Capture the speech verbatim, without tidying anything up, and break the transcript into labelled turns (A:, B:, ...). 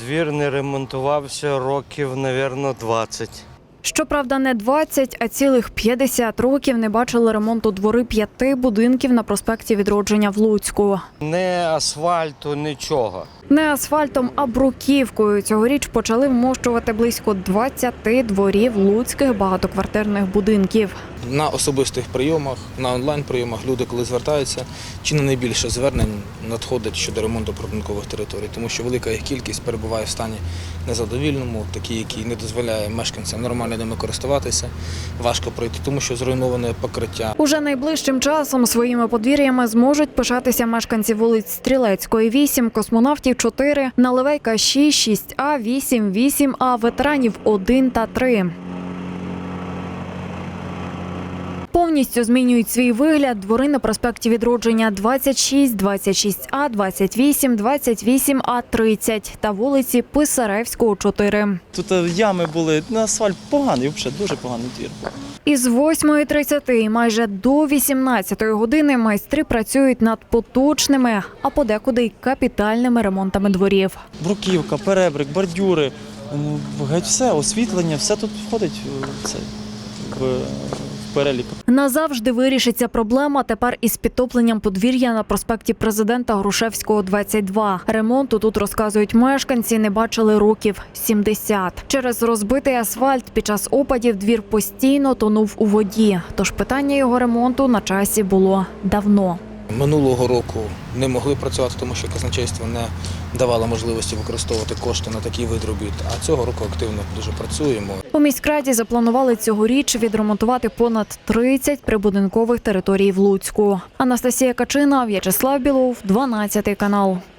A: Двір не ремонтувався років, мабуть, двадцять.
B: Щоправда, не двадцять, а цілих п'ятдесят років не бачили ремонту двори п'яти будинків на проспекті Відродження в Луцьку.
A: Не асфальту, нічого.
B: Не асфальтом, а бруківкою. Цьогоріч почали вмощувати близько двадцяти дворів луцьких багатоквартирних будинків.
C: На особистих прийомах, на онлайн-прийомах люди, коли звертаються, чи не найбільше звернень надходить щодо ремонту прибудинкових територій, тому що велика їх кількість перебуває в стані незадовільному, такий, який не дозволяє мешканцям нормально ними користуватися, важко пройти, тому що зруйноване покриття.
B: Уже найближчим часом своїми подвір'ями зможуть пишатися мешканці вулиць Стрілецької, вісім, Космонавтів, чотири, Наливайка, шість, шість А, вісім, вісім А, ветеранів один та три. Повністю змінюють свій вигляд двори на проспекті Відродження двадцять шість, двадцять шість А, двадцять вісім, двадцять вісім А, тридцять та вулиці Писаревського, чотири.
D: Тут ями були, на асфальт поганий, взагалі дуже поганий двір був.
B: Із восьмої тридцяти і майже до вісімнадцятої години майстри працюють над поточними, а подекуди й капітальними ремонтами дворів.
D: Бруківка, перебрик, бордюри, ну, геть все, освітлення, все тут входить в цей, в, в перелік.
B: Назавжди вирішиться проблема тепер із підтопленням подвір'я на проспекті Президента Грушевського, двадцять два. Ремонту тут, розказують мешканці, не бачили років сімдесят. Через розбитий асфальт під час опадів двір постійно тонув у воді. Тож питання його ремонту на часі було давно.
C: Минулого року не могли працювати, тому що казначейство не давало можливості використовувати кошти на такі вид робіт, а цього року активно дуже працюємо.
B: У міськраді запланували цьогоріч відремонтувати понад тридцять прибудинкових територій в Луцьку. Анастасія Качина, В'ячеслав Білов, дванадцятий канал.